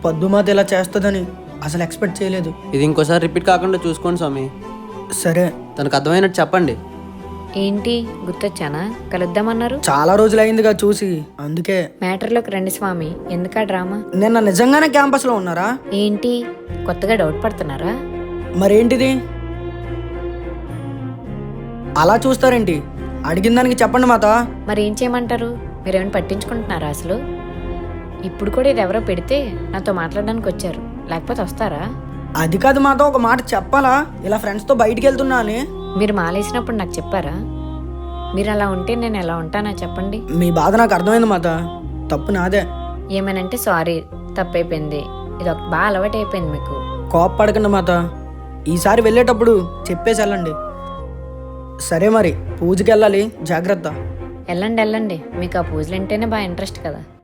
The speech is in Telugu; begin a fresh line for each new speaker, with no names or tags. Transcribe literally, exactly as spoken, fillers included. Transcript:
పద్దుమాత ఇలా చేస్తుందని అసలు ఎక్స్పెక్ట్ చేయలేదు.
ఇది ఇంకోసారి రిపీట్ కాకుండా చూసుకోండి స్వామి.
సరే,
తనకు అర్థమైనట్టు చెప్పండి.
ఏంటి గుర్తొచ్చానా? కలుద్దామన్నారు.
చాలా రోజులైందిగా చూసి, అందుకే.
మ్యాటర్లోకి రండి స్వామి, ఎందుకా డ్రామా?
నిన్న నిజంగానే క్యాంపస్లో ఉన్నారా?
ఏంటి కొత్తగా డౌట్ పడుతున్నారా?
మరేంటిది అలా చూస్తారేంటి? అడిగిన దానికి చెప్పండి మాత.
మరి ఏం చేయమంటారు? మీరేమైనా పట్టించుకుంటున్నారా అసలు? ఇప్పుడు కూడా ఇది ఎవరో పెడితే నాతో మాట్లాడడానికి వచ్చారు, లేకపోతే వస్తారా?
అది కాదు మాత, ఒక మాట చెప్పాలా? ఇలా ఫ్రెండ్స్తో బయటికి వెళ్తున్నా అని.
మీరు మాలేసినప్పుడు నాకు చెప్పారా? మీరు అలా ఉంటే నేను ఎలా ఉంటానా చెప్పండి.
మీ బాధ నాకు అర్థమైంది మాత, తప్పు నాదే.
ఏమనంటే సారీ, తప్పైపోయింది. ఇది ఒక బాగా అలవాటు అయిపోయింది మీకు.
కోప్పడకండి మాత, ఈసారి వెళ్ళేటప్పుడు చెప్పేసి వెళ్ళండి. సరే మరి, పూజకి వెళ్ళాలి, జాగ్రత్త.
వెళ్ళండి వెళ్ళండి, మీకు ఆ పూజలు అంటేనే బాగా ఇంట్రెస్ట్ కదా.